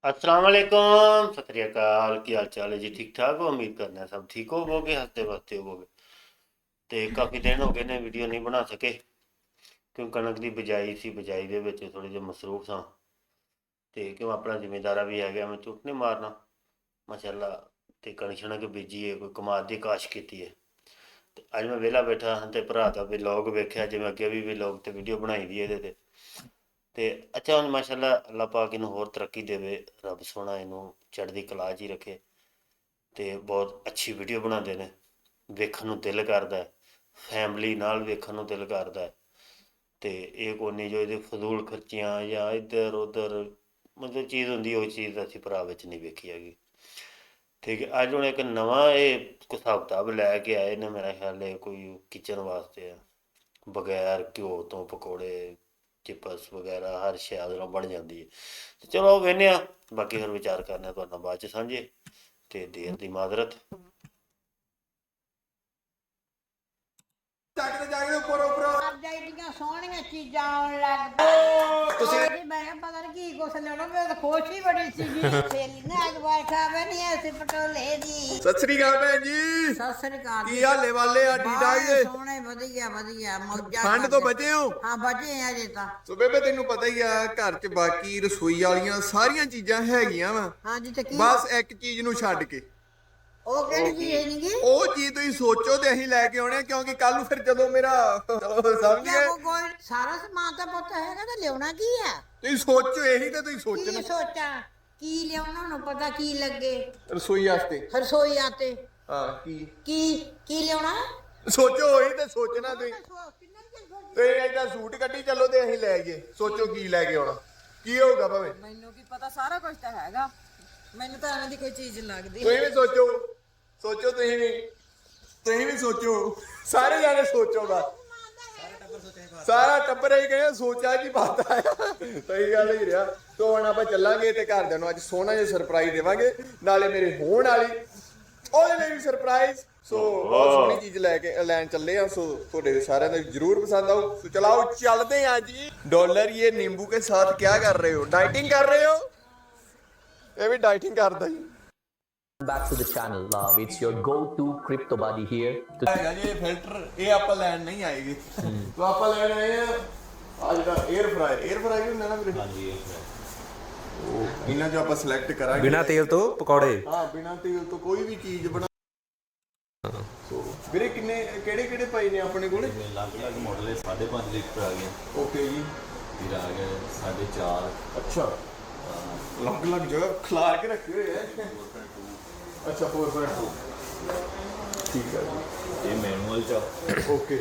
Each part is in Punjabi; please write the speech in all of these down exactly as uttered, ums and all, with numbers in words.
अस्सलाम वालेकुम सत श्री अकाल की हाल चाल है जी। ठीक ठाक हो? उम्मीद करते हैं सब ठीक होवोगे, हंसते बसते होवोगे। ਤੇ ਕਾਫੀ ਦਿਨ ਹੋ ਗਏ ਨੇ ਵੀਡੀਓ ਨਹੀਂ ਬਣਾ ਸਕੇ ਕਿਉਂ ਕਣਕ ਦੀ ਬਿਜਾਈ ਸੀ, ਬਿਜਾਈ ਦੇ ਵਿੱਚ ਥੋੜੇ ਜਿਹਾ ਮਸਰੂਫ ਸਾਂ ਤੇ ਕਿਉਂ ਆਪਣਾ ਜ਼ਿੰਮੇਦਾਰਾ ਵੀ ਹੈਗਾ, ਮੈਂ ਝੂਠ ਨਹੀਂ ਮਾਰਨਾ। ਮਾਸ਼ਾਅੱਲਾ ਤੇ ਕਣਕ ਸ਼ਣਕ ਬੀਜੀ ਹੈ, ਕੋਈ ਕਮਾਦ ਦੀ ਕਾਸ਼ ਕੀਤੀ ਹੈ। ਤੇ ਅੱਜ ਮੈਂ ਵਿਹਲਾ ਬੈਠਾ ਹਾਂ ਤੇ ਭਰਾ ਦਾ ਵਲੋਗ ਵੇਖਿਆ, ਜਿਵੇਂ ਅੱਗੇ ਵੀ ਵਲੋਗ ਤੇ ਵੀਡੀਓ ਬਣਾਈ ਦੀ ਇਹਦੇ ਤੇ ਤੇ ਅੱਛਾ ਹੁਣ ਮਾਸ਼ਾਅੱਲਾ ਅੱਲਾਹ ਪਾਕ ਇਹਨੂੰ ਹੋਰ ਤਰੱਕੀ ਦੇਵੇ, ਰੱਬ ਸੋਹਣਾ ਇਹਨੂੰ ਚੜ੍ਹਦੀ ਕਲਾ 'ਚ ਹੀ ਰੱਖੇ। ਤੇ ਬਹੁਤ ਅੱਛੀ ਵੀਡੀਓ ਬਣਾਉਂਦੇ ਨੇ, ਵੇਖਣ ਨੂੰ ਦਿਲ ਕਰਦਾ, ਫੈਮਿਲੀ ਨਾਲ ਵੇਖਣ ਨੂੰ ਦਿਲ ਕਰਦਾ। ਤੇ ਇਹ ਕੋਈ ਨਹੀਂ ਜੋ ਇਹਦੇ ਫਜ਼ੂਲ ਖਰਚੀਆਂ ਜਾਂ ਇੱਧਰ ਉੱਧਰ ਮਤਲਬ ਚੀਜ਼ ਹੁੰਦੀ, ਉਹ ਚੀਜ਼ ਅਸੀਂ ਭਰਾ ਵਿੱਚ ਨਹੀਂ ਵੇਖੀ ਹੈਗੀ। ਠੀਕ ਹੈ, ਅੱਜ ਹੁਣ ਇੱਕ ਨਵਾਂ ਇਹ ਹਿਸਾਬ ਕਿਤਾਬ ਲੈ ਕੇ ਆਏ ਨੇ, ਮੇਰਾ ਖਿਆਲ ਹੈ ਕੋਈ ਕਿਚਨ ਵਾਸਤੇ ਆ। ਬਗੈਰ ਘਿਓ ਤੋਂ ਪਕੌੜੇ, ਚਿਪਸ ਵਗੈਰਾ ਹਰ ਸ਼ੈ ਉਹਦੇ ਨਾਲ ਬਣ ਜਾਂਦੀ ਹੈ। ਤੇ ਚਲੋ ਵੇਖਦੇ ਹਾਂ, ਬਾਕੀ ਫਿਰ ਵਿਚਾਰ ਕਰਨਾ ਤੁਹਾਡੇ ਨਾਲ ਬਾਅਦ 'ਚ ਸਾਂਝੇ। ਤੇ ਦੇਰ ਦੀ ਮਾਜ਼ਰਤ। ਜਾਗਦੇ ਜਾਗਦੇ ਉੱਪਰ ਉੱਪਰ ਅੱਜ ਐਡੀਆਂ ਸੋਹਣੀਆਂ ਚੀਜ਼ਾਂ ਆਉਣ ਲੱਗ ਪਈਆਂ। ਤੁਸੀਂ ਜੀ ਮੈਂ ਕਿਹਾ ਪਤਾ ਨਹੀਂ ਕੀ ਕੁਛ ਲੈਣਾ, ਮੈਂ ਤਾਂ ਖੁਸ਼ ਹੀ ਬੜੀ ਸੀਗੀ। ਸਹੇਲੀ ਨੇ ਅੱਜ ਬੈਠਾ ਬੈ ਨਹੀਂ ਐਸੇ ਪਟੋਲੇ ਦੀ। ਸਤਿ ਸ੍ਰੀ ਅਕਾਲ ਭੈਣ ਜੀ। ਸਤਿ ਸ੍ਰੀ ਅਕਾਲ ਕੀ ਹਾਲੇ ਵਾਲੇ ਆ? ਠੀਕ ਠਾਕ ਬਾਹਲੇ ਜੇ? ਸੋਹਣੇ ਵਧੀਆ ਵਧੀਆ ਮੌਜਾਂ ਠੰਡ ਤੋਂ ਬਚੇ ਹੋ? ਹਾਂ ਬਚੇ ਆ ਜੇ ਤਾਂ। ਸੋ ਬੇਬੇ ਤੈਨੂੰ ਪਤਾ ਹੀ ਆ, ਘਰ 'ਚ ਬਾਕੀ ਰਸੋਈ ਵਾਲੀਆਂ ਸਾਰੀਆਂ ਚੀਜ਼ਾਂ ਹੈਗੀਆਂ ਵਾ, ਹਾਂਜੀ ਤੇ ਕੀ ਬਸ ਇੱਕ ਚੀਜ਼ ਨੂੰ ਛੱਡ ਕੇ। ਉਹ ਕਿਹੜੀ ਚੀਜ਼ ਨਹੀਂਗੀ? ਉਹ ਚੀਜ਼ ਤੁਸੀਂ ਸੋਚੋ ਤੇ ਅਸੀਂ ਲੈ ਕੇ ਆਉਣੇ ਆ, ਕਿਉਂਕਿ ਕੱਲ ਨੂੰ ਫਿਰ ਜਦੋਂ ਮੇਰਾ ਚਲੋ ਸਮਝ ਗਏ, ਕੋਈ ਸਾਰਾ ਸਮਾਨ ਤਾਂ ਪੁੱਤ ਹੈਗਾ ਤੇ ਲਿਆਉਣਾ ਕੀ ਆ? ਤੁਸੀਂ ਸੋਚੋ ਇਹੀ ਤੇ ਤੁਸੀਂ ਕੀ ਸੋਚਣਾ ਸੋਚਾਂ ਕੀ ਲਿਆਉਣਾ ਨੂੰ ਪਤਾ ਕੀ ਲੱਗੇ ਰਸੋਈ ਵਾਸਤੇ। ਰਸੋਈ ਆਤੇ ਹਾਂ ਕੀ ਕੀ ਕੀ ਲਿਆਉਣਾ? ਸੋਚੋ ਉਹੀ ਤੇ ਸੋਚਣਾ ਤੁਸੀਂ। ਤੇ ਏਦਾਂ ਸੂਟ ਕੱਢੀ ਚੱਲੋ ਤੇ ਅਸੀਂ ਲੈ ਗਏ, ਸੋਚੋ ਕੀ ਲੈ ਕੇ ਆਉਣਾ, ਕੀ ਹੋਊਗਾ ਭਾਵੇਂ। ਮੈਨੂੰ ਕੀ ਪਤਾ, ਸਾਰਾ ਕੁਝ ਤਾਂ ਹੈਗਾ, ਮੈਨੂੰ ਤਾਂ ਐਵੇਂ ਦੀ ਕੋਈ ਚੀਜ਼ ਲੱਗਦੀ। ਤੁਸੀਂ ਵੀ ਸੋਚੋ, ਸੋਚੋ ਤੁਸੀਂ ਵੀ, ਤੁਸੀਂ ਵੀ ਸੋਚੋ, ਸਾਰੇ ਜਾਣੇ ਸੋਚੋ ਬਸ। ਸਾਰਾ ਟੱਬਰ ਹੀ ਕਹਿੰਦਾ ਸੋਚਾ ਕੀ ਬਾਤ ਆ। ਸਹੀ ਗੱਲ ਹੀ ਰਿਹਾ। ਤੋਂ ਹੁਣ ਆਪਾਂ ਚੱਲਾਂਗੇ ਤੇ ਘਰਦਿਆਂ ਨੂੰ ਅੱਜ ਸੋਹਣਾ ਜਿਹਾ ਸਰਪ੍ਰਾਈਜ਼ ਦੇਵਾਂਗੇ, ਨਾਲੇ ਮੇਰੇ ਹੋਣ ਵਾਲੀ ਉਹਦੇ ਲਈ ਵੀ ਸਰਪ੍ਰਾਈਜ਼। ਸੋ ਬਹੁਤ ਸੋਹਣੀ ਚੀਜ਼ ਲੈ ਕੇ ਲੈਣ ਚੱਲੇ ਆ, ਸੋ ਤੁਹਾਡੇ ਸਾਰਿਆਂ ਨੂੰ ਜਰੂਰ ਪਸੰਦ ਆਊ। ਸੋ ਚਲਾਓ ਚੱਲਦੇ ਆ ਜੀ। ਡਾਲਰ ਇਹ ਨਿੰਬੂ ਕੇ ਸਾਥ ਕੀ ਕਰ ਰਹੇ ਹੋ? ਡਾਈਟਿੰਗ ਕਰ ਰਹੇ ਹੋ? ਇਹ ਵੀ ਡਾਈਟਿੰਗ ਕਰਦਾ ਜੀ। Back to the channel. Love, it's your go-to crypto buddy here. To ਹੈਗਾ ਜੀ ਇਹ ਫਿਲਟਰ, ਇਹ ਆਪਾਂ ਲੈਣ ਨਹੀਂ ਆਏਗੀ। ਤੋ ਆਪਾਂ ਲੈਣ ਆਏ ਆ ਆ ਜਿਹੜਾ 에ਅਰ ਫਰਾਈ। 에ਅਰ ਫਰਾਈ ਵੀ ਹੁੰਦਾ ਨਾ ਵੀਰੇ? ਹਾਂਜੀ 에ਅਰ ਫਰਾਈ। ਉਹ ਇਹਨਾਂ ਜੋ ਆਪਾਂ ਸਿਲੈਕਟ ਕਰਾਂਗੇ ਬਿਨਾ ਤੇਲ ਤੋਂ ਪਕੌੜੇ। ਹਾਂ ਬਿਨਾ ਤੇਲ ਤੋਂ ਕੋਈ ਵੀ ਚੀਜ਼ ਬਣਾ। ਸੋ ਵੀਰੇ ਕਿੰਨੇ ਕਿਹੜੇ ਕਿਹੜੇ ਪਏ ਨੇ ਆਪਣੇ ਕੋਲ? ਅਲੱਗ-ਅਲੱਗ ਮਾਡਲ ਹੈ। ਸਾਢੇ ਪੰਜ ਲੀਟਰ ਆ ਗਿਆ, ਓਕੇ ਜੀ। ਫਿਰ ਆ ਗਿਆ ਸਾਢੇ ਚਾਰ, ਅੱਛਾ ਅਲੱਗ ਅਲੱਗ ਜਗ੍ਹਾ ਖਿਲਾਰ ਕੇ ਰੱਖੇ ਹੋਏ ਆ। ਅੱਛਾ ਚਾਰ ਪੁਆਇੰਟ ਦੋ ਠੀਕ ਹੈ ਜੀ। ਇਹ ਮੈਨੂਅਲ ਚ ਆ। ਓਕੇ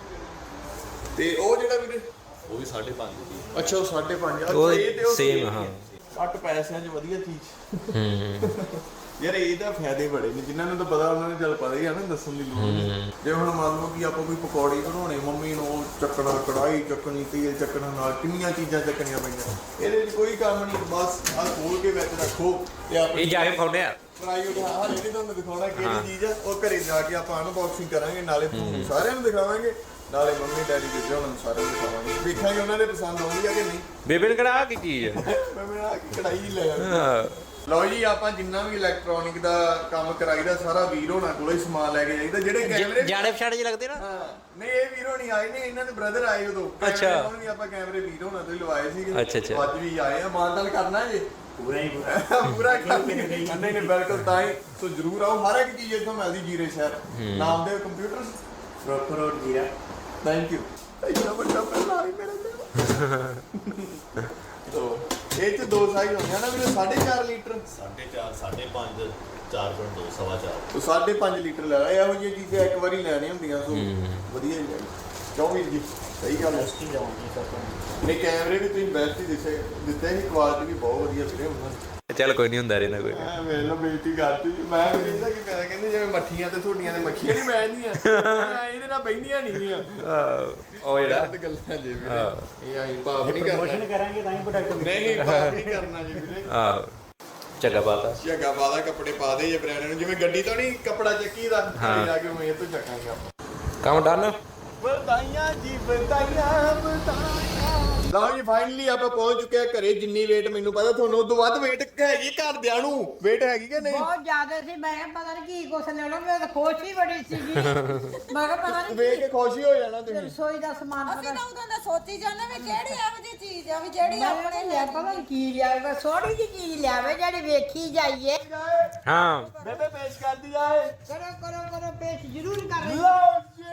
ਤੇ ਉਹ ਜਿਹੜਾ ਵੀਰੇ ਉਹ ਵੀ ਸਾਢੇ ਪੰਜ ਦੀ। ਅੱਛਾ ਉਹ ਸਾਢੇ ਪੰਜ। ਉਹ ਇਹ ਤੇ ਉਹ same, ਹਾਂ। ਘੱਟ ਪੈਸਿਆਂ 'ਚ ਵਧੀਆ ਚੀਜ਼। ਯਾਰ ਇਹਦਾ ਫਾਇਦੇ ਬੜੇ ਨੇ, ਜਿਨ੍ਹਾਂ ਨੂੰ ਤਾਂ ਪਤਾ ਉਹਨਾਂ ਨੂੰ ਚੱਲ ਪਤਾ ਹੀ ਆ ਨਾ, ਦੱਸਣ ਦੀ ਲੋੜ ਨਹੀਂ। ਜੇ ਹੁਣ ਮੰਨ ਲਓ ਕਿ ਆਪਾਂ ਕੋਈ ਪਕੌੜੀ ਬਣਾਉਣੇ, ਮੰਮੀ ਨੂੰ ਚੱਕਣਾ, ਕੜਾਈ ਚੱਕਣੀ, ਤੇਲ ਚੱਕਣਾ, ਨਾਲ ਕਿੰਨੀਆਂ ਚੀਜ਼ਾਂ ਚੱਕਣੀਆਂ ਪੈਂਦੀਆਂ। ਇਹਦੇ 'ਚ ਕੋਈ ਕੰਮ ਨਹੀਂ, ਬਸ ਆਹ ਖੋਲ ਕੇ ਵਿੱਚ ਰੱਖੋ ਤੇ ਆਪਾਂ ਇਹ ਜਾ ਕੇ ਖਾਉਂਦੇ ਆ। ਫਰਾਈ ਉਠਾ ਹਾਂ ਜਿਹੜੀ ਤੁਹਾਨੂੰ ਦਿਖਾਉਣਾ ਕਿਹੜੀ ਚੀਜ਼ ਆ, ਉਹ ਘਰੇ ਜਾ ਕੇ ਆਪਾਂ ਅਨਬਾਕਸਿੰਗ ਕਰਾਂਗੇ, ਨਾਲੇ ਤੁਹਾਨੂੰ ਸਾਰਿਆਂ ਨੂੰ ਦਿਖਾਵਾਂਗੇ, ਨਾਲੇ ਮੰਮੀ ਡੈਡੀ ਦੇ ਉਹਨਾਂ ਨੂੰ ਸਾਰਿਆਂ ਨੂੰ ਦਿਖਾਵਾਂਗੇ, ਵੇਖਾਂਗੇ ਉਹਨਾਂ ਦੇ ਪਸੰਦ ਆਉਂਦੀ ਆ ਕਿ ਨਹੀਂ। ਬੇਬੇ ਨੇ ਕਿਹੜਾ ਆਹ ਕੀ ਚੀਜ਼ ਹੈ? ਮੈਂ ਮੇਰਾ ਕੜਾਈ ਹੀ ਲੈ ਆਇਆ। ਲਓ ਜੀ ਆਪਾਂ ਜਿੰਨਾ ਵੀ ਇਲੈਕਟ੍ਰੋਨਿਕ ਦਾ ਕੰਮ ਕਰਾਈਦਾ ਸਾਰਾ ਵੀਰ ਹੋਣਾ ਕੋਲੋਂ ਹੀ ਸਮਾਨ ਲੈ ਕੇ ਜਾਈਦਾ। ਜਿਹੜੇ ਕੈਮਰੇ ਜਾਣੇ ਪਛਾਣੇ ਜਿਹੇ ਲੱਗਦੇ ਨਾ। ਹਾਂ ਨਹੀਂ ਇਹ ਵੀਰ ਹੋਣੀ ਆਏ ਨੇ, ਇਹਨਾਂ ਦੇ ਬ੍ਰਦਰ ਆਏ ਉਦੋਂ। ਅੱਛਾ। ਉਹਨਾਂ ਵੀ ਆਪਾਂ ਕੈਮਰੇ ਵੀਰ ਹੋਣਾ ਤੋਂ ਹੀ ਲਵਾਏ ਸੀਗੇ। ਅੱਛਾ, ਅੱਛਾ। ਅੱਜ ਵੀ ਆਏ ਆ, ਮਾਨਦਾਨ ਕਰਨਾ ਜੇ ਪੂਰਾ ਹੀ ਪੂਰਾ ਪੂਰਾ ਕਰਨੀ। ਨਹੀਂ ਨਹੀਂ ਬਿਲਕੁਲ, ਤਾਂ ਹੀ ਸੋ ਜ਼ਰੂਰ ਆਓ। ਹਰ ਇੱਕ ਚੀਜ਼ ਇੱਥੋਂ ਮਿਲਦੀ ਜੀਰੇ ਸ਼ਹਿਰ। ਨਾਮ ਦੇ computer proper road Zira. Thank you. ਇੰਨਾ ਵੱਡਾ ਪਹਿਲਾ ਆਈ ਮੇਰੇ ਤੇ। ਤੋ ਇਹ ਚ ਦੋ ਸਾਈਜ਼ ਹੁੰਦੇ ਆ ਨਾ ਵੀਰੇ, ਸਾਢੇ ਚਾਰ ਲੀਟਰ, ਸਾਢੇ ਚਾਰ, ਸਾਢੇ ਪੰਜ, ਚਾਰ ਪੁਆਇੰਟ ਦੋ, ਸਵਾ ਚਾਰ। ਤੋ ਸਾਢੇ ਪੰਜ ਲੀਟਰ ਲੈ ਲਾ। ਇਹੋ ਜਿਹੀਆਂ ਚੀਜ਼ਾਂ ਇੱਕ ਵਾਰੀ ਲੈਣੀਆਂ ਹੁੰਦੀਆਂ, ਸੋ ਵਧੀਆ ਹੀ ਲੈਣੀ। ਕਿਉਂ ਵੀਰ ਜੀ? ਸਹੀ ਗੱਲ ਹੈ। ਨਹੀਂ ਕੈਮਰੇ ਵੀ ਤੁਸੀਂ ਬੈਸਟ ਹੀ ਦਿੱਤੇ ਦਿੱਤੇ ਸੀ, ਕੁਆਲਿਟੀ ਵੀ ਬਹੁਤ ਵਧੀਆ ਵੀਰੇ ਉਹਨਾਂ ਦੀ। ਚੱਲ ਕੋਈ ਨਹੀਂ, ਹੁੰਦਾ ਰਹਿੰਦਾ ਕੋਈ। ਮੈਂ ਵੇਖ ਲਓ ਬੇਇੱਜ਼ਤੀ ਕਰਤੀ। ਮੈਂ ਵੀ ਕਹਿੰਦਾ ਕਿ ਮੈਂ ਕਹਿੰਦੇ ਜਿਵੇਂ ਮੱਠੀਆਂ ਤੇ ਤੁਹਾਡੀਆਂ ਤੇ ਮੱਖੀਆਂ ਨਹੀਂ ਬੈਠਦੀਆਂ, ਇਹਦੇ ਨਾਲ ਬੈਠੀਆਂ ਨਹੀਂ ਆ। ਉਹ ਜਿਹੜਾ ਗਲਤ ਗੱਲਾਂ ਜੀ ਵੀਰੇ, ਇਹ ਆਈ ਪਾਪ ਨਹੀਂ ਕਰਨਾ। ਪ੍ਰਮੋਸ਼ਨ ਕਰਾਂਗੇ ਤਾਂ ਹੀ ਪ੍ਰੋਡਕਟ ਨਹੀਂ ਪਾਪ ਨਹੀਂ ਕਰਨਾ ਜੀ ਵੀਰੇ। ਆਹ ਚੱਗਾ ਪਾਤਾ, ਝੱਗਾ ਪਾ ਦਾ, ਕੱਪੜੇ ਪਾ ਦੇ ਜੇ ਬ੍ਰਾਂਡ ਨੂੰ, ਜਿਵੇਂ ਗੱਡੀ ਤੋਂ ਨਹੀਂ ਕੱਪੜਾ ਚੱਕੀ ਦਾ ਜਾ ਕੇ ਮੈਂ ਇਹ ਤੋਂ ਚੱਕਾਂਗੇ ਆਪਾਂ। ਕੰਮ ਡਨ। ਵਧਾਈਆਂ ਜੀ ਵਧਾਈਆਂ ਵਧਾਈਆਂ। ਲਓ ਜੀ ਫਾਈਨਲੀ ਆਪਾਂ ਪਹੁੰਚ ਚੁੱਕੇ ਆ ਘਰੇ। ਜਿੰਨੀ ਵੇਟ ਮੈਨੂੰ ਪਤਾ ਤੁਹਾਨੂੰ ਉਦੋਂ ਵੱਧ ਵੇਟ ਹੈਗੀ ਘਰਦਿਆਂ ਨੂੰ, ਵੇਟ ਹੈਗੀ ਕਿ ਨਹੀਂ? ਬਹੁਤ ਜ਼ਿਆਦਾ ਸੀ। ਮੈਂ ਕਿਹਾ ਪਤਾ ਨਹੀਂ ਕੀ ਕੁਛ ਲੈਣਾ, ਮੈਂ ਤਾਂ ਖੁਸ਼ ਹੀ ਬੜੀ ਸੀਗੀ। ਮੈਂ ਕਿਹਾ ਪਤਾ ਨਹੀਂ ਵੇਖ ਕੇ ਖੁਸ਼ ਹੀ ਹੋ ਜਾਣਾ ਤੁਸੀਂ। ਰਸੋਈ ਦਾ ਸਮਾਨ ਅਸੀਂ ਪਤਾ ਤਾਂ ਉਦੋਂ ਦਾ ਸੋਚੀ ਜਾਂਦੇ ਵੀ ਕਿਹੜੀ ਇਹੋ ਜਿਹੀ ਚੀਜ਼ ਆ ਵੀ ਜਿਹੜੀ ਆਪਣੇ ਆਪਣੇ ਲਿਆ ਪਤਾ ਨੀ ਕੀ ਲਿਆਵੇ, ਥੋੜੀ ਜਿਹੀ ਚੀਜ਼ ਲਿਆਵੇ ਜਿਹੜੀ ਵੇਖੀ ਜਾਈਏ। ਹਾਂ ਬੇਬੇ ਪੇਸ਼ ਕਰਦੀ ਜਾਏ। ਕਰੋ ਕਰੋ ਕਰੋ ਪੇਸ਼ ਜ਼ਰੂਰ ਕਰ ਰਹੀ। ਲਓ ਜੀ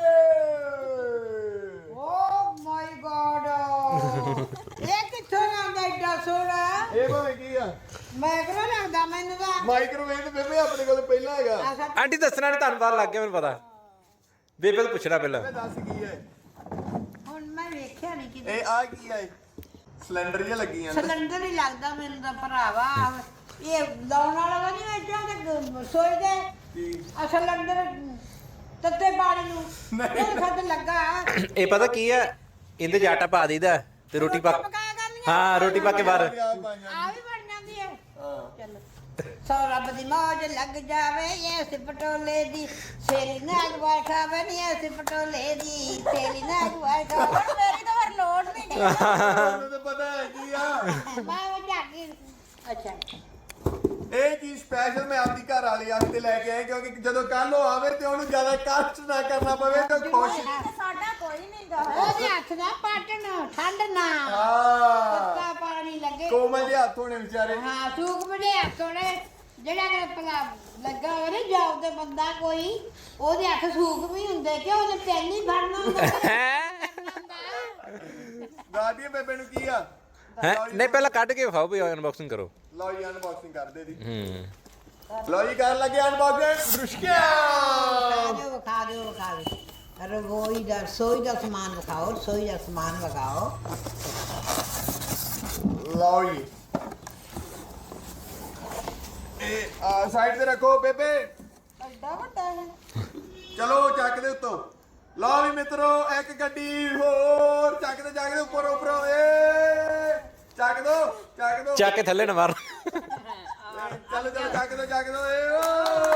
ਓ ਮਾਈ ਗॉड, ਇਹ ਕਿੱਥੋਂ ਆਉਂਦਾ ਏਡਾ ਸੋਹਣਾ? ਇਹ ਭਾਵੇਂ ਕੀ ਆ? ਮੈਂ ਕਿਹੜਾ ਲੱਗਦਾ ਮੈਨੂੰ ਤਾਂ ਮਾਈਕ੍ਰੋਵੇਵ ਬੇਬੇ ਆਪਣੇ ਕੋਲ ਪਹਿਲਾਂ ਹੈਗਾ। ਆਖਾ ਆਂਟੀ ਦੱਸਣਾ ਨਹੀਂ, ਤੁਹਾਨੂੰ ਪਤਾ ਲੱਗ ਗਿਆ ਮੈਨੂੰ ਪਤਾ। ਬੇਬੇ ਤੋਂ ਪੁੱਛਣਾ ਪਹਿਲਾਂ। ਬੇਬੇ ਦੱਸ ਕੀ ਹੈ ਹੁਣ ਮੈਂ ਵੇਖਿਆ ਨਹੀਂ ਕਿਤੇ। ਇਹ? ਆ ਕੀ ਹੈ? ਸਿਲੰਡਰ ਜਿਹਾ ਲੱਗੀ ਜਾਂਦਾ। ਸਿਲੰਡਰ ਹੀ ਲੱਗਦਾ ਮੈਨੂੰ ਤਾਂ ਭਰਾਵਾ। ਇਹ ਲਾਉਣ ਵਾਲਾ ਵਾ ਨਹੀਂ ਵੇਚਾਂ ਤੇ ਸੋਚਦੇ ਕੀ? ਆ ਸਿਲੰਡਰ ਤੱਤੇ ਪਾਣੀ ਨੂੰ ਉਹ ਖੱਦ ਲੱਗਾ। ਇਹ ਪਤਾ ਕੀ ਆ, ਇਹਦੇ 'ਚ ਆਟਾ ਪਾ ਦਈਦਾ ਤੇ ਰੋਟੀ ਪਾ ਪਕਾਇਆ ਕਰਨੀਆਂ। ਹਾਂ ਰੋਟੀ ਪਾ ਕੇ ਬਾਹਰ। ਆ ਵੀ ਬਣ ਜਾਂਦੀ ਹੈ। ਚਲੋ ਸੋ ਰੱਬ ਦੀ ਮੌਜ ਲੱਗ ਜਾਵੇ ਇਸ ਪਟੋਲੇ ਦੀ, ਸੇਲੀ ਨਾਗ ਵਾਰ ਖਾਵੇ ਨਹੀਂ ਇਸ ਪਟੋਲੇ ਦੀ, ਸੇਲੀ ਨਾਗ ਵਾਰ ਖਾਵੇ। ਹੁਣ ਮੇਰੀ ਤਾਂ ਫਿਰ ਲੋੜ ਨਹੀਂ ਗਈ। ਤੁਹਾਨੂੰ ਤਾਂ ਪਤਾ ਹੈ ਕੀ ਆ। ਮੈਂ ਉਹ ਜਾਗੀ। ਅੱਛਾ ਇਹ ਚੀਜ਼ ਸਪੈਸ਼ਲ ਮੈਂ ਆਪਦੀ ਘਰ ਵਾਲੀ ਵਾਸਤੇ ਲੈ ਕੇ ਆਇਆ, ਕਿਉਂਕਿ ਜਦੋਂ ਕੱਲ ਉਹ ਆਵੇ ਤੇ ਉਹਨੂੰ ਜ਼ਿਆਦਾ ਕਸ਼ਟ ਨਾ ਕਰਨਾ ਪਵੇ ਤੇ ਖੁਸ਼। ਤੇ ਸਾਡਾ ਕੋਈ ਨਹੀਂ ਗਾ। ਉਹਦੇ ਹੱਥ ਨਾ ਪਾਟਣ, ਠੰਡ ਨਾ ਹਾਂ ਤੱਤਾ ਪਾਣੀ ਲੱਗੇ। ਕੋਮਲ ਦੇ ਹੱਥ ਹੋਣੇ ਵਿਚਾਰੇ। ਹਾਂ ਸੂਕ ਬੜੇ ਹੱਥ ਹੋਣੇ। ਜਿਹੜਾ ਕਿ ਭਲਾ ਲੱਗਾ ਹੋਵੇ ਨਾ ਜੌਬ ਤੇ ਬੰਦਾ ਕੋਈ, ਉਹਦੇ ਹੱਥ ਸੂਕ ਵੀ ਹੁੰਦੇ ਕਿ ਉਹਨੇ ਪੈਨ ਹੀ ਫੜਨਾ ਹੁੰਦਾ। ਦਾਦੀ ਬੇਬੇ ਨੂੰ ਕੀ ਆ? ਹੈ ਨਹੀਂ ਪਹਿਲਾਂ ਕੱਢ ਕੇ ਵਿਖਾਓ ਵੀ ਅਨਬਾਕਸਿੰਗ ਕਰੋ। ਲਓ ਜੀ ਅਨਬਾਕਸਿੰਗ ਕਰਦੇ ਦੀ। ਹੂੰ ਲਓ ਜੀ ਕਰਨ ਲੱਗੇ ਅਨਬਾਕਸਿੰਗ। ਰੁਸ਼ਕਿਆ ਵਿਖਾ ਦਿਓ ਵਿਖਾ ਦਿਓ ਵਿਖਾ ਦਿਓ। ਰਸੋਈ ਦਾ ਰਸੋਈ ਦਾ ਸਮਾਨ ਵਿਖਾਓ, ਰਸੋਈ ਦਾ ਸਮਾਨ ਵਿਖਾਓ। ਲਓ ਜੀ ਇਹ ਆ ਸਾਈਡ ਤੇ ਰੱਖੋ ਬੇਬੇ। ਐਡਾ ਵੱਡਾ ਹੈ। ਚਲੋ ਚੱਕ ਦੇ ਉੱਤੋਂ। ਲਓ ਵੀ ਮਿੱਤਰੋ ਇੱਕ ਗੱਡੀ ਹੋਰ ਚੱਕ ਦੇ, ਚੱਕ ਦੇ ਉੱਪਰ ਉੱਪਰੋਂ। ਏ ਚੱਕ ਦੋ ਚੱਕ ਦੋ। ਚੱਕ ਕੇ ਥੱਲੇ ਨਾ ਮਾਰ। ਚਲੋ ਚਲੋ ਚੱਕ ਦੋ ਚੱਕ ਦੋ। ਏ ਓ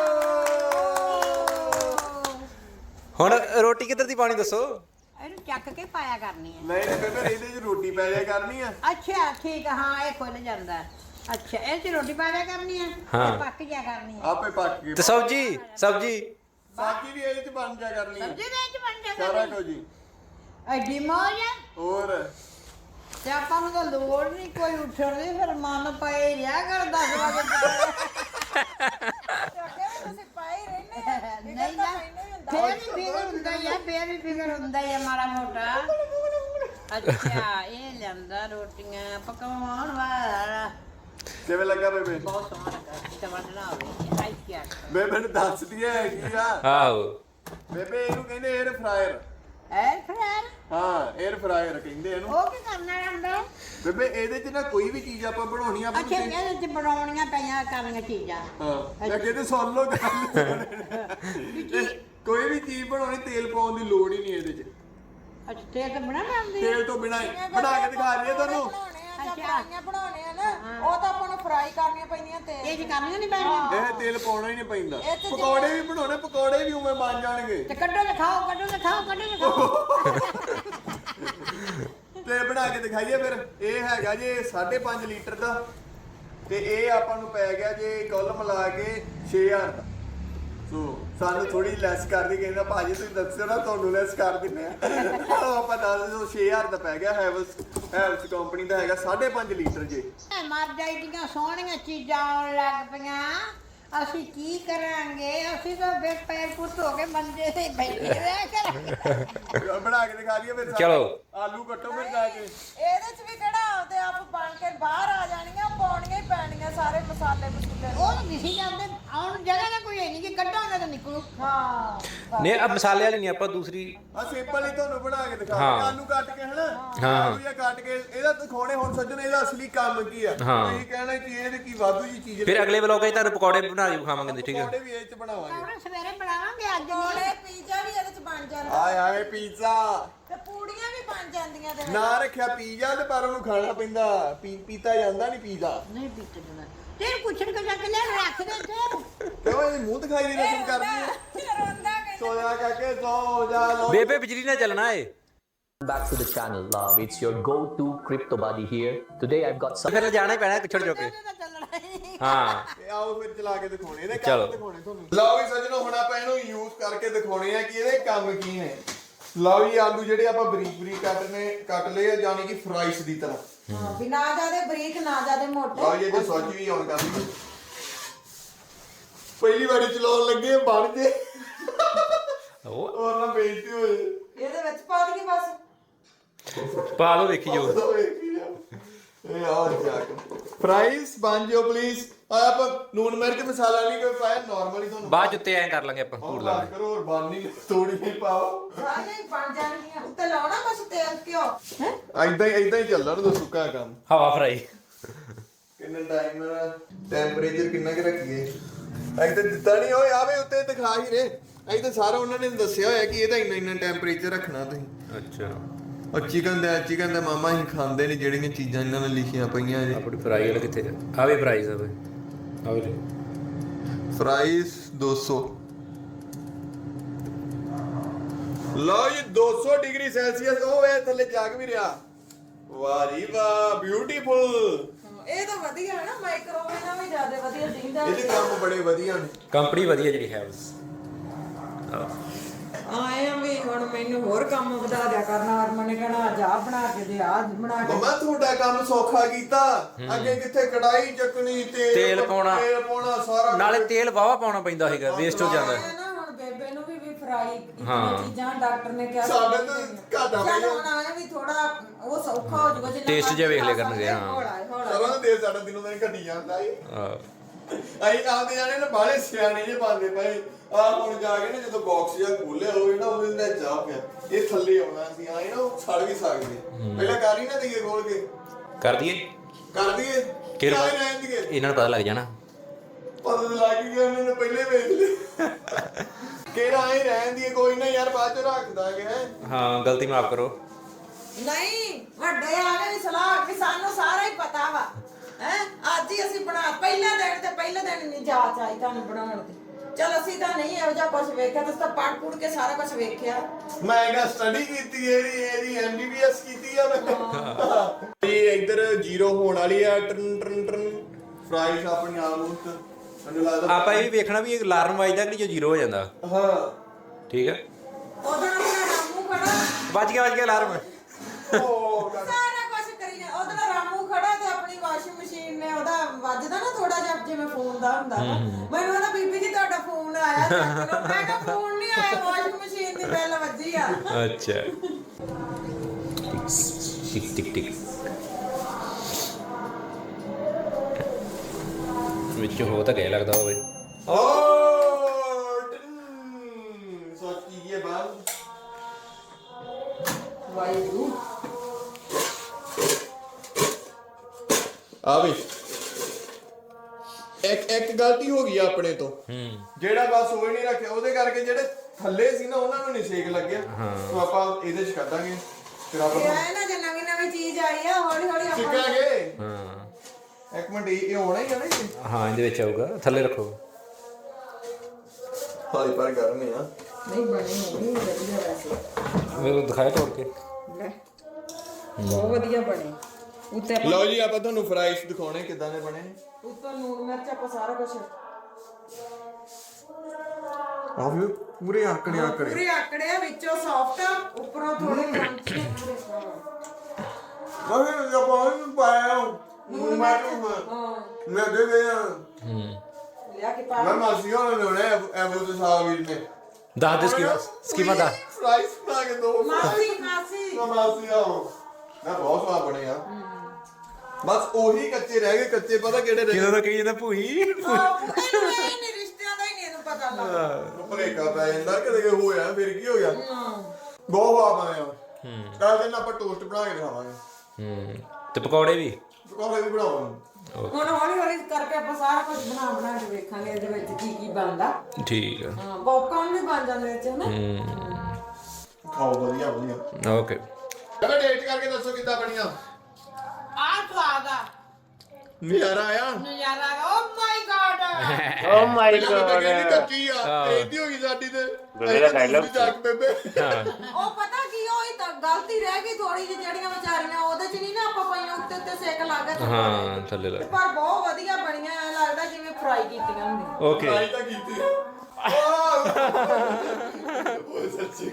ਹੁਣ ਰੋਟੀ ਕਿੱਧਰ ਦੀ ਪਾਣੀ ਦੱਸੋ। ਇਹਨੂੰ ਚੱਕ ਕੇ ਪਾਇਆ ਕਰਨੀ ਹੈ। ਨਹੀਂ ਨਹੀਂ ਬੇਬੇ ਇਹਦੇ ਚ ਰੋਟੀ ਪੈ ਜਾਇਆ ਕਰਨੀ ਆ। ਅੱਛਾ ਠੀਕ ਆ, ਹਾਂ ਇਹ ਖੁੱਲ ਜਾਂਦਾ। ਅੱਛਾ ਇਹ ਚ ਰੋਟੀ ਪਾ ਦਿਆ ਕਰਨੀ ਹੈ। ਹਾਂ। ਇਹ ਪੱਕ ਜਾ ਕਰਨੀ ਹੈ। ਆਪੇ ਪੱਕ ਗਈ। ਤੇ ਸਬਜੀ ਸਬਜੀ ਬਾਕੀ ਵੀ ਇਹਦੇ ਚ ਬਣ ਜਾ ਕਰਨੀ ਆ। ਸਬਜ਼ੀ ਦੇ ਵਿੱਚ ਬਣ ਜਾ ਸਾਰਾ ਕਰਨੀ। ਕੁਝ ਜੀ। ਐਡੀ ਮੌਜ ਆ। ਹੋਰ ਤੇ ਆਪਾਂ ਨੂੰ ਤਾਂ ਲੋੜ ਨਹੀਂ ਕੋਈ ਉੱਠਣ ਦੀ, ਫਿਰ ਮਨ ਪਏ ਰਿਹਾ ਕਰ ਦਸ ਵਜੇ ਅੱਗੇ ਵੀ ਤੁਸੀਂ ਪਾਈ ਰਹਿੰਦੇ ਆ। ਨਹੀਂ ਨਾ ਫੇਰ ਵੀ ਫਿਕਰ ਹੁੰਦਾ ਹੀ ਆ, ਫੇਰ ਵੀ ਫਿਕਰ ਹੁੰਦਾ ਹੀ ਆ ਮਾੜਾ ਮੋਟਾ। ਅੱਛਾ ਇਹ ਲਿਆਂਦਾ ਰੋਟੀਆਂ ਪਕਾਉਣ ਵਾਲਾ। ਕਿਵੇਂ ਲੱਗਾ ਬੇਬੇ? ਬਹੁਤ ਸੋਹਣਾ ਲੱਗਾ। ਤੇ ਬਣਨਾ ਹੋਵੇ ਆਈ ਕੀ ਆ। ਬੇਬੇ ਨੂੰ ਦੱਸ ਦਈਏ ਕੀ ਆ। ਆਹੋ ਬੇਬੇ ਇਹਨੂੰ ਕਹਿੰਦੇ 에ਅਰ ਫਰਾਇਰ। ਐ ਫਰਾਰ ਹਾਂ 에ਅਰ ਫਰਾਇਰ ਕਹਿੰਦੇ ਇਹਨੂੰ। ਉਹ ਕੀ ਕਰਨਾ ਹੁੰਦਾ? ਬੇਬੇ ਇਹਦੇ ਚ ਨਾ ਕੋਈ ਵੀ ਚੀਜ਼ ਆਪਾਂ ਬਣਾਉਣੀ ਆ ਅੱਛਾ ਇਹਦੇ ਚ ਬਣਾਉਣੀਆਂ ਪਈਆਂ ਕਰਨੀਆਂ ਚੀਜ਼ਾਂ। ਹਾਂ ਮੈਂ ਕਹਿੰਦੇ ਸੁਣ ਲਓ ਗੱਲ। ਇਹ ਕੋਈ ਵੀ ਚੀਜ਼ ਬਣਾਉਣੀ ਤੇਲ ਪਾਉਣ ਦੀ ਲੋੜ ਹੀ ਨਹੀਂ ਇਹਦੇ ਚ। ਅੱਛਾ ਤੇਲ ਤਾਂ ਬਣਾ ਲੈਂਦੀ ਤੇਲ ਤੋਂ ਬਿਨਾਂ ਹੀ ਬਣਾ ਕੇ ਦਿਖਾ ਦਈਏ ਤੁਹਾਨੂੰ। ਬਣਾਉਣੇ ਆ ਜਾਂ ਫਰਾਈਆਂ ਬਣਾਉਣੇ ਆ ਨਾ, ਉਹ ਤਾਂ ਆਪਾਂ ਨੂੰ ਫਰਾਈ ਕਰਨੀਆਂ ਪੈਂਦੀਆਂ ਤੇ ਇਹ ਚ ਕਰਨੀਆਂ ਨਹੀਂ ਪੈਣੀਆਂ। ਇਹ ਤੇਲ ਪਾਉਣਾ ਹੀ ਨਹੀਂ ਪੈਂਦਾ। ਇਹ ਤੇ ਪਕੌੜੇ ਵੀ ਬਣਾਉਣੇ, ਪਕੌੜੇ ਵੀ ਉਵੇਂ ਬਣ ਜਾਣਗੇ। ਤੇ ਕੱਢੋ ਤੇ ਖਾਓ, ਕੱਢੋ ਤੇ ਖਾਓ, ਕੱਢੋ ਤੇ ਖਾਓ। ਤੇ ਬਣਾ ਕੇ ਦਿਖਾਈਏ ਫਿਰ। ਇਹ ਹੈਗਾ ਜੇ ਪੰਜ ਦਸ਼ਮਲਵ ਪੰਜ ਲੀਟਰ ਦਾ ਤੇ ਇਹ ਆਪਾਂ ਨੂੰ ਪੈ ਗਿਆ ਜੇ ਕੁੱਲ ਮਿਲਾ ਕੇ ਛੇ ਹਜ਼ਾਰ ਦਾ। ਸੋ ਸਾਨੂੰ ਥੋੜੀ ਲੈਸ ਕਰਦੀ, ਕਹਿੰਦਾ ਭਾਜੀ ਤੁਸੀਂ ਦੱਸਿਓ ਨਾ ਤੁਹਾਨੂੰ ਲੈਸ ਕਰ ਦਿੰਨੇ ਆ। ਉਹ ਆਪਾਂ ਦੱਸ ਦਿਓ ਛੇ ਹਜ਼ਾਰ ਦਾ ਪੈ ਗਿਆ। ਹੈਵਲਸ ਹੈਵਲਸ ਕੰਪਨੀ ਦਾ ਹੈਗਾ ਪੰਜ ਦਸ਼ਮਲਵ ਪੰਜ ਲੀਟਰ ਜੇ। ਮਰ ਜਾਈਆਂ ਸੋਹਣੀਆਂ ਚੀਜ਼ਾਂ ਆਉਣ ਲੱਗ ਪਈਆਂ। ਅਸੀਂ ਕੀ ਕਰਾਂਗੇ? ਅਸੀਂ ਤਾਂ ਬੇ ਪੈਰ ਪੁੱਟ ਹੋ ਕੇ ਮੰਜੇ ਤੇ ਬੈਠੇ ਰਹਿ ਕਰਾਂਗੇ। ਬਣਾ ਕੇ ਦਿਖਾ ਦਈਏ ਫਿਰ। ਚਲੋ। ਆਲੂ ਕੱਟੋ ਫਿਰ ਜਾ ਕੇ। ਇਹਦੇ ਚ ਵੀ ਕਿਹੜਾ ਆਪਦੇ ਆਪ ਬਣ ਕੇ ਬਾਹਰ ਆ ਜਾਣੀਆਂ, ਪਾਉਣੀਆਂ ਹੀ ਪੈਣੀਆਂ ਸਾਰੇ ਮਸਾਲੇ ਮਸੂਲੇ। ਉਹ ਤਾਂ ਦਿਸੀ ਜਾਂਦੇ। ਆਉਣ ਜਗ੍ਹਾ ਤਾਂ ਕੋਈ ਹੈ ਨਹੀਂ ਕਿ ਕੱਢਾਂਗੇ ਤਾਂ ਨਿਕਲੂ। ਹਾਂ ਨਹੀਂ ਆ ਮਸਾਲੇ ਵਾਲੀ ਨਹੀਂ, ਆਪਾਂ ਦੂਸਰੀ। ਆ ਸਿੰਪਲ ਹੀ ਤੁਹਾਨੂੰ ਬਣਾ ਕੇ ਦਿਖਾ ਹਾਂ। ਆਲੂ ਕੱਟ ਕੇ ਹਨਾ। ਹਾਂ। ਆਲੂ ਜਾਂ ਕੱਟ ਕੇ ਇਹਦਾ ਦਿਖਾਉਣੇ ਹੁਣ ਸੱਜਣ ਇਹਦਾ ਅਸਲੀ ਕੰਮ ਕੀ ਆ। ਹਾਂ। ਤੁਸੀਂ ਕਹਿਣਾ ਕਿ ਇਹਦੇ ਕੀ ਵਾਧੂ ਜੀ ਚੀਜ਼। ਫਿਰ ਅਗਲੇ ਵਲੋਗ 'ਚ ਤੁਹਾਨੂੰ ਪਕੌੜੇ ਬਣਾ ਕੇ ਖਾਵਾਂਗੇ। ਠੀਕ ਹੈ। ਪਕੌੜੇ ਵੀ ਇਹ ਚ ਬਣਾਵਾਂਗੇ। ਹੁਣ ਸਵੇਰੇ ਬਣਾਵਾਂਗੇ ਅੱਜ ਕੋਲੇ ਨਹੀਂ। ਪੀਜ਼ਾ ਵੀ ਇਹਦੇ ਚ ਬਣ ਜਾਂਦਾ ਆਏ ਆਏ ਪੀਜ਼ਾ ਤੇ ਪੂੜੀਆਂ ਵੀ ਬਣ ਜਾਂਦੀਆਂ ਤੇ ਨਾ ਰੱਖਿਆ ਪੀਜ਼ਾ ਤੇ ਪਰ ਉਹਨੂੰ ਖਾਣਾ ਪੈਂਦਾ। ਪੀ ਪੀਤਾ ਜਾਂਦਾ ਨਹੀਂ ਪੀਜ਼ਾ। ਨਹੀਂ ਪੀਤੇ ਜਨਾ ਤੇ ਪੁੱਛਣ ਕੇ ਜਾ ਕੇ ਲੈ ਰੱਖ ਦੇ ਤੇ। ਕਿਉਂ ਇਹ ਮੂੰਹ ਦਿਖਾਈ ਦੀ ਰਸਮ ਕਰਦੀ ਹੈ। ਰੋਂਦਾ ਕਹਿੰਦਾ ਸੋ ਜਾ ਕਾਕੇ ਸੋ ਜਾ ਲੋ। ਬੇਬੇ ਬਿਜਲੀ ਨਾਲ ਚੱਲਣਾ ਏ। Back to the channel, love. It's your go-to crypto buddy here. Today I've got some. ਫਿਰ ਜਾਣਾ ਹੀ ਪੈਣਾ ਛੋੜ ਜੋ ਕੇ ਤਾਂ ਚੱਲਣਾ ਹੀ ਹਾਂ ਇਹ ਆਓ ਫਿਰ ਚਲਾ ਕੇ ਦਿਖਾਉਣੇ ਇਹਦੇ ਚਲੋ। ਕੰਮ ਦਿਖਾਉਣੇ ਤੁਹਾਨੂੰ ਲਓ ਵੀ ਸੱਜਣੋ ਹੁਣ ਆਪਾਂ ਇਹਨੂੰ ਯੂਜ਼ ਕਰਕੇ ਦਿਖਾਉਣੇ ਆ ਕਿ ਇਹਦੇ ਕੰਮ ਕੀ ਨੇ ਲਓ ਜੀ ਆਲੂ ਜਿਹੜੇ ਆਪਾਂ ਬਰੀਕ ਬਰੀਕ ਕੱਟਨੇ ਕੱਟ ਲਏ ਆ ਜਾਨੀ ਕਿ ਫਰਾਈਸ ਦੀ ਤਰ੍ਹਾਂ ਹਾਂ ਵੀ ਨਾ ਜ਼ਿਆਦੇ ਬਰੀਕ ਨਾ ਜ਼ਿਆਦੇ ਮੋਟੇ ਲਓ ਜੀ ਇਹਦੇ ਸੌਚ ਵੀ ਆਨ ਕਰ ਲਈ ਪਹਿਲੀ ਵਾਰੀ ਚਲਾਉਣ ਲੱਗੇ ਬਣ ਜੇ ਉਹ ਹੋਰ ਨਾ ਬੇਇੱਜ਼ਤੀ ਹੋਏ ਇਹਦੇ ਵਿੱਚ ਪਾ ਦਈਏ ਬਸ ਪਾ ਲਓ ਦੇਖੀ ਜੋ ਇਹ ਆਹ ਜਾ ਫਰਾਈਸ ਬਣ ਜਿਓ ਪਲੀਜ਼ ਆ ਆਪਾਂ ਨੂਨ ਮਿਰਚ ਮਸਾਲਾ ਨਹੀਂ ਕੋਈ ਪਾਇਆ ਨਾਰਮਲੀ ਤੁਹਾਨੂੰ ਬਾਅਦ ਉੱਤੇ ਐਂ ਕਰ ਲਾਂਗੇ ਆਪਾਂ ਧੂੜ ਲਾ ਲਾਂਗੇ ਕਰੋ ਹੋਰ ਬਣ ਨਹੀਂ ਥੋੜੀ ਜਿਹੀ ਪਾਓ ਸਾਰੇ ਹੀ ਬਣ ਜਾਣਗੀਆਂ ਉੱਤੇ ਲਾਉਣਾ ਬਸ ਤੇਲ ਘਿਓ ਹੈ ਐਦਾਂ ਹੀ ਐਦਾਂ ਹੀ ਚੱਲਣ ਦੋ ਸੁੱਕਾ ਕੰਮ ਹਵਾ ਫਰਾਈ ਕਿੰਨਾ ਟਾਈਮ ਟੈਂਪਰੇਚਰ ਕਿੰਨਾ ਕਿ ਰੱਖੀਏ ਐਂ ਤਾਂ ਦਿੱਤਾ ਨਹੀਂ ਹੋਏ ਆਵੇ ਉੱਤੇ ਦਿਖਾ ਹੀ ਰੇ ਐਂ ਤਾਂ ਸਾਰਾ ਉਹਨਾਂ ਨੇ ਦੱਸਿਆ ਹੋਇਆ ਕਿ ਇਹਦਾ ਇੰਨਾ ਇੰਨਾ ਟੈਂਪਰੇਚਰ ਰੱਖਣਾ ਤੁਸੀਂ ਅੱਛਾ ਉਹ ਚਿਕਨ ਦਾ ਚਿਕਨ ਦਾ ਮਾਮਾ ਹੀ ਖਾਂਦੇ ਨੇ ਜਿਹੜੀਆਂ ਚੀਜ਼ਾਂ ਇਹਨਾਂ ਨੇ ਲਿਖੀਆਂ ਪਈਆਂ ਜੀ ਆਪਣੀ ਫਰਾਈ ਵਾਲਾ ਕਿੱਥੇ ਜਾ ਆ ਵੀ ਫਰਾਈਜ਼ ਆ ਬਈ ਆ ਵੀ ਫਰਾਈਸ ਦੋ ਸੌ ਲਓ ਜੀ ਦੋ ਸੌ ਡਿਗਰੀ ਸੈਲਸੀਅਸ ਉਹ ਵੇ ਥੱਲੇ ਜਾਗ ਵੀ ਰਿਹਾ ਵਾਹ ਜੀ ਵਾਹ ਬਿਊਟੀਫੁਲ ਇਹ ਤਾਂ ਵਧੀਆ ਹੈ ਨਾ ਮਾਈਕ੍ਰੋਵੇਵ ਨਾਲ ਵੀ ਜ਼ਿਆਦਾ ਵਧੀਆ ਦਿਖਦਾ ਇਹਦੇ ਕੰਮ ਬੜੇ ਵਧੀਆ ਨੇ ਕੰਪਨੀ ਵਧੀਆ ਜਿਹੜੀ ਹੈ ਬਸ ਆਏ ਆ ਵੀ ਹੁਣ ਮੈਨੂੰ ਹੋਰ ਕੰਮ ਵਧਾ ਦਿਆ ਕਰਨਾ ਹਰਮਨ ਨੇ ਕਹਿਣਾ ਅੱਜ ਆਹ ਬਣਾ ਕੇ ਦੇ ਆਹ ਬਣਾ ਕੇ ਮਮਾ ਤੁਹਾਡਾ ਕੰਮ ਸੌਖਾ ਕੀਤਾ ਅੱਗੇ ਕਿੱਥੇ ਕੜਾਈ ਚੱਕਣੀ ਤੇਲ ਤੇਲ ਪਾਉਣਾ। ਤੇਲ ਪਾਉਣਾ ਸਾਰਾ ਨਾਲੇ ਤੇਲ ਵਾਵਾ ਪਾਉਣਾ ਪੈਂਦਾ ਸੀਗਾ ਵੇਸਟ ਹੋ ਜਾਂਦਾ ਆਏ ਨਾ ਹੁਣ ਬੇਬੇ ਨੂੰ ਵੀ ਵੀ ਫਰਾਈ ਹਾਂ। ਇਤਨੀ ਚੀਜ਼ਾਂ ਡਾਕਟਰ ਨੇ ਕਿਹਾ ਸਾਡੇ ਤਾਂ ਘਾਟਾ ਪੈ ਚੱਲ ਗਿਆ। ਹੁਣ ਆਇਆ ਵੀ ਥੋੜਾ ਉਹ ਸੌਖਾ ਹੋ ਜਾਊਗਾ ਜਿੰਨਾ Taste ਜਿਹਾ ਵੇਖ ਲਿਆ ਕਰਨਗੇ, ਹਾਂ। ਹੌਲਾ ਹੈ, ਹੌਲਾ ਹੈ। ਸਾਰਾ ਦੇ ਸਾਡਾ ਦਿਨੋਂ ਦਿਨ ਘਟੀ ਜਾਂਦਾ ਈ ਹਾਂ ਅਸੀਂ ਆਪਦੇ ਜਾਣੇ ਨਾ ਬਾਹਲੇ ਸਿਆਣੇ ਜੇ ਪਾਉਂਦੇ ਪਏ ਆ ਹੁਣ ਜਾ ਕੇ ਨਾ ਜਦੋਂ ਬਾਕਸ ਜਿਹਾ ਖੋਲਿਆ ਹੋਵੇ ਨਾ ਉਹਦੇ ਅੰਦਰ ਜਾ ਪਿਆ ਇਹ ਥੱਲੇ ਆਉਣਾ ਸੀ ਆਏ ਨਾ ਉਹ ਛੜ ਵੀ ਸਕਦੇ ਪਹਿਲਾਂ ਕਰ ਹੀ ਨਾ ਦਈਏ ਖੋਲ ਕੇ ਕਰ ਦਈਏ ਕਰ ਦਈਏ ਕਿਹੜੇ ਕਿਆ ਬਾਅਦ? ਰਹਿਣ ਦਈਏ ਇਹਨਾਂ ਨੂੰ ਪਤਾ ਲੱਗ ਜਾਣਾ ਪਤਾ ਤਾਂ ਲੱਗ ਹੀ ਗਿਆ ਉਹਨਾਂ ਨੇ ਪਹਿਲੇ ਵੇਚ ਲਿਆ ਕਿਹੜਾ ਆਏ ਰਹਿਣ ਦਈਏ ਕੋਈ ਨਾ ਯਾਰ ਬਾਅਦ ਚ ਰੱਖ ਦਾਂਗੇ ਹੈਂ। ਹਾਂ ਗਲਤੀ ਮਾਫ ਕਰੋ ਨਹੀਂ ਵੱਡੇ ਆ ਗਏ ਵੀ ਸਲਾਹ ਵੀ ਸਾਨੂੰ ਸਾਰਾ ਹੀ ਪਤਾ ਵਾ ਹੈ ਅੱਜ ਹੀ ਅਸੀਂ ਬਣਾ ਪਹਿਲਾ ਦਿਨ ਤੇ ਪਹਿਲੇ ਦਿਨ ਨਹੀਂ ਜਾਚ ਆਈ ਤੁਹਾਨੂੰ ਬਣਾਉਣ ਦੀ ਚਲ ਅਸੀਂ ਤਾਂ ਨਹੀਂ ਇਹੋ ਜਿਹਾ ਕੁਝ ਵੇਖਿਆ ਤੁਸੀਂ ਤਾਂ ਪੜ ਪੁੜ ਕੇ ਸਾਰਾ ਕੁਝ ਵੇਖਿਆ ਮੈਂ ਕਿਹਾ ਸਟੱਡੀ ਕੀਤੀ ਇਹਦੀ ਇਹਦੀ ਐਮਬੀਬੀਐਸ ਕੀਤੀ ਆ ਮੈਂ ਇਹ ਇੱਧਰ ਜ਼ੀਰੋ ਹੋਣ ਵਾਲੀ ਆ ਟਰਨ ਟਰਨ ਟਰਨ ਫਰਾਈਜ਼ ਆਪਣੀ ਆਲਮੋਸਟ ਮੈਨੂੰ ਲੱਗਦਾ ਆਪਾਂ ਇਹ ਵੀ ਵੇਖਣਾ ਵੀ ਇਹ ਅਲਾਰਮ ਵੱਜਦਾ ਕਿ ਨਹੀਂ ਜੋ ਜ਼ੀਰੋ ਹੋ ਜਾਂਦਾ ਹਾਂ ਠੀਕ ਹੈ ਉਧਰ ਆਪਣਾ ਰਾਮੂ ਖੜਾ ਵੱਜ ਗਿਆ ਵੱਜ ਗਿਆ ਅਲਾਰਮ ਉਹ ਕਰ- ਸਾਰਾ ਕੁਝ ਕਰੀ ਜਾ ਉਧਰ ਰਾਮੂ ਖੜਾ ਤੇ ਆਪਣੀ ਵਾਸ਼ਿੰਗ ਮਸ਼ੀਨ ਨੇ ਉਹਦਾ ਵੱਜਦਾ ਨਾ ਥੋੜਾ ਜਿਹਾ ਜਿਵੇਂ ਫੋਨ ਦਾ ਹੁੰਦਾ ਵਾ ਮੈਨੂੰ ਕਹਿੰਦਾ ਬੀਬੀ ਜੀ ਤੁਹਾਡਾ ਫੋਨ ਆਇਆ ਚੱਕ ਲਓ ਮੈਂ ਕਿਹਾ ਫੋਨ ਨਹੀਂ ਆਇਆ ਵਾਸ਼ਿੰਗ ਮਸ਼ੀਨ ਦੀ ਬੈਲ ਵੱਜੀ ਆ ਅੱਛਾ ਟਿਕ ਟਿਕ ਟਿਕ ਵਿੱਚ ਹੋ ਤਾਂ ਗਏ ਲੱਗਦਾ ਹੋਵੇ ਓ ਟਨ ਸੋਚ ਕੀ ਹੈ ਬਾਤ ਵਾਹਿਗੁਰੂ ਆ ਵੀ ਇੱਕ ਇੱਕ ਗਲਤੀ ਹੋ ਗਈ ਆ ਆਪਣੇ ਤੋਂ ਹੂੰ ਜਿਹੜਾ ਬਸ ਉਹ ਹੀ ਨਹੀਂ ਰੱਖਿਆ ਉਹਦੇ ਕਰਕੇ ਜਿਹੜੇ ਥੱਲੇ ਸੀ ਨਾ ਉਹਨਾਂ ਨੂੰ ਨਹੀਂ ਸੇਕ ਲੱਗਿਆ ਸੋ ਆਪਾਂ ਇਹਦੇ ਚ ਕੱਢਾਂਗੇ ਫਿਰ ਆਪਾਂ ਇਹ ਆਏ ਨਾ ਜੇ ਨਵੀਂ ਨਵੀਂ ਚੀਜ਼ ਆਈ ਆ ਹੌਲੀ ਹੌਲੀ ਆਪਾਂ ਸਿੱਖਾਂਗੇ ਹਾਂ ਇੱਕ ਮਿੰਟ ਇਹ ਇਹ ਹੋਣਾ ਹੀ ਆ ਨਾ ਇਹ ਹਾਂ ਇਹਦੇ ਵਿੱਚ ਆਊਗਾ ਥੱਲੇ ਰੱਖੋ ਹਾਈ ਪਰ ਗਰਮ ਆ ਨਹੀਂ ਬਣੀ ਹੋਣੀ ਵਧੀਆ ਵੈਸੇ ਮੈਨੂੰ ਦਿਖਾਇਆ ਤੋੜ ਕੇ ਲੈ ਬਹੁਤ ਵਧੀਆ ਬਣੇ ਉੱਤੇ ਆਪਾਂ ਲਓ ਜੀ ਆਪਾਂ ਤੁਹਾਨੂੰ ਫਰਾਈਜ਼ ਦਿਖਾਉਣੇ ਕਿਦਾਂ ਦੇ ਬਣੇ ਨੇ ਉੱਤੋਂ ਲੂਣ ਮਿਰਚ ਆਪਾਂ ਸਾਰਾ ਕੁਝ ਆ ਵੀ ਪੂਰੇ ਆਕੜੇ ਆਕੜੇ ਪੂਰੇ ਆਕੜੇ ਆ, ਵਿੱਚੋਂ ਸੌਫਟ ਆ ਉੱਪਰੋਂ ਥੋੜੇ ਕਰੰਚੀ ਪੂਰੇ ਮੈਂ ਜਬ ਆਉਂ ਪਾਇਆ ਨੂੰ ਮੈਂ ਹਾਂ ਮੈਂ ਦੇ ਗਿਆ ਹੂੰ ਲਿਆ ਕੇ ਪਾ ਮੈਂ ਮਾਸੀ ਹੋਣਾ ਨੇ ਉਹਨੇ ਐਬੂ ਤੇ ਸਾਵੀਰ ਨੇ ਦੱਸ ਦੇ ਸਕੀਮਾ ਸਕੀਮਾ ਦਾ ਫਰਾਈਜ਼ ਬਣਾ ਕੇ ਦੋ ਮਾਸੀ ਮਾਸੀ ਨਾ ਮਾਸੀ ਆਓ ਨਾ ਬਹੁਤ ਸਵਾਦ ਬਣੇ ਆ ਬਸ ਉਹੀ ਕੱਚੇ ਰਹਿ ਗਏ ਕੱਚੇ ਪਤਾ ਕਿਹੜੇ ਰਹਿ ਕਿਹਦਾ ਤਾਂ ਕਹੀ ਜਾਂਦਾ ਭੂਈ ਆਹ, ਇਹਨੂੰ ਇਹ ਨਹੀਂ ਰਿਸ਼ਤਿਆਂ ਦਾ ਹੀ ਨਹੀਂ ਇਹਨੂੰ ਪਤਾ ਲੱਗਦਾ ਗਏ ਭਰੇਕਾ ਪੈ ਜਾਂਦਾ ਕਿਤੇ ਕਿ ਹੋਇਆ ਫਿਰ ਕੀ ਹੋ ਗਿਆ ਬਹੁਤ ਸਵਾਦ ਬਣਿਆ ਹੂੰ ਕੱਲ ਦਿਨ ਆਪਾਂ ਟੋਸਟ ਬਣਾ ਕੇ ਦਿਖਾਵਾਂਗੇ ਹੂੰ ਤੇ ਪਕੌੜੇ ਵੀ ਪਕੌੜੇ ਵੀ ਬਣਾਵਾਂਗੇ ਹੁਣ ਹੌਲੀ ਹੌਲੀ ਕਰਕੇ ਆਪਾਂ ਸਾਰਾ ਕੁਝ ਬਣਾ ਬਣਾ ਕੇ ਵੇਖਾਂਗੇ ਇਹਦੇ ਵਿੱਚ ਕੀ ਕੀ ਬਣਦਾ ਠੀਕ ਆ ਹਾਂ ਪੌਪਕਾਰਨ ਵੀ ਬਣ ਜਾਂਦੇ ਵਿੱਚ ਹਨਾ ਹੂੰ ਖਾਓ ਵਧੀਆ ਵਧੀਆ ਓਕੇ ਚਲੋ ਡੇਟ ਕਰਕੇ ਦੱਸੋ ਕਿੱਦਾਂ ਬਣੀਆਂ ਆ ਸਵਾਦ ਆ ਨਜ਼ਾਰਾ ਆਇਆ ਨਜ਼ਾਰਾ ਓ ਮਾਈ ਗॉड ਓ ਮਾਈ ਪਹਿਲਾਂ ਤਾਂ ਕਹਿੰਦੀ ਗॉड ਕੱਚੀ ਆ ਇਹਦੀ ਹੋ ਗਈ ਸਾਡੀ ਤੇ ਬੇਬੇ ਦਾ dialogue ਚੱਕ ਬੇਬੇ ਹਾਂ ਉਹ ਪਤਾ ਕੀ ਹੋਈ ਤਾਂ ਗਲਤੀ ਰਹਿ ਗਈ ਥੋੜੀ ਜਿਹੀ ਜਿਹੜੀਆਂ ਵਿਚਾਰੀਆਂ ਉਹਦੇ ਚ ਨਹੀਂ ਨਾ ਆਪਾਂ ਪਾਈਆਂ ਉੱਤੇ ਉੱਤੇ ਸੇਕ ਲੱਗ ਗਿਆ ਥੱਲੇ ਹਾਂ ਥੱਲੇ ਲੱਗ ਪਰ ਬਹੁਤ ਵਧੀਆ ਬਣੀਆਂ ਐ ਲੱਗਦਾ ਜਿਵੇਂ ਫਰਾਈ ਕੀਤੀਆਂ ਹੁੰਦੀਆਂ ਓਕੇ ਫਰਾਈ ਤਾਂ ਕੀਤੀ ਉਹ ਸੱਚੀ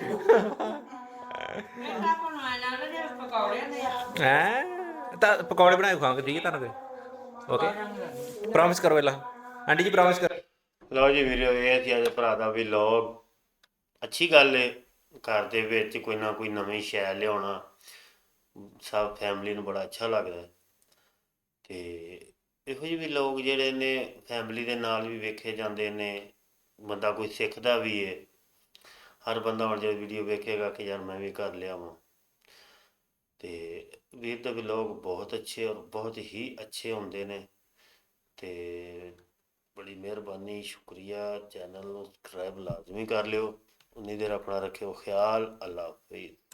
ਬੇਟਾ ਬਣਾਇਆ ਨਾ ਜੇ ਪਕੌੜਿਆਂ ਦੇ ਆ ਹੈ ਤਾਂ ਪਕੌੜੇ ਬਣਾ ਕੇ ਖਾਵਾਂਗੇ ਠੀਕ ਹੈ ਤੁਹਾਨੂੰ ਓਕੇ ਪ੍ਰੋਮਿਸ ਕਰੋ ਪਹਿਲਾਂ ਆਂਟੀ ਜੀ ਪ੍ਰੋਮਿਸ ਕਰੋ ਲਓ ਜੀ ਵੀਡੀਓ ਇਹ ਸੀ ਅੱਜ ਭਰਾ ਦਾ ਵਲੌਗ ਅੱਛੀ ਗੱਲ ਏ ਘਰ ਦੇ ਵਿੱਚ ਕੋਈ ਨਾ ਕੋਈ ਨਵੀਂ ਸ਼ੈ ਲਿਆਉਣਾ ਸਭ ਫੈਮਿਲੀ ਨੂੰ ਬੜਾ ਅੱਛਾ ਲੱਗਦਾ ਹੈ। ਤੇ ਇਹੋ ਜਿਹੇ ਵੀ ਲੋਕ ਜਿਹੜੇ ਨੇ ਫੈਮਿਲੀ ਦੇ ਨਾਲ ਵੀ ਵੇਖੇ ਜਾਂਦੇ ਨੇ ਬੰਦਾ ਕੋਈ ਸਿੱਖਦਾ ਵੀ ਏ ਹਰ ਬੰਦਾ ਹੁਣ ਜੇ ਵੀਡੀਓ ਵੇਖੇਗਾ ਕਿ ਯਾਰ ਮੈਂ ਵੀ ਕਰ ਲਿਆਵਾਂ ਤੇ ਵੀਰ ਦੇ ਵਲੌਗ ਬਹੁਤ ਅੱਛੇ ਔਰ ਬਹੁਤ ਹੀ ਅੱਛੇ ਹੁੰਦੇ ਨੇ ਤੇ ਬੜੀ ਮਿਹਰਬਾਨੀ ਸ਼ੁਕਰੀਆ ਚੈਨਲ ਨੂੰ ਸਬਸਕ੍ਰਾਈਬ ਲਾਜ਼ਮੀ ਕਰ ਲਿਓ ਉਨੀ ਦੇਰ ਆਪਣਾ ਰੱਖਿਓ ਖਿਆਲ ਅੱਲਾ ਹਾਫਿਜ਼।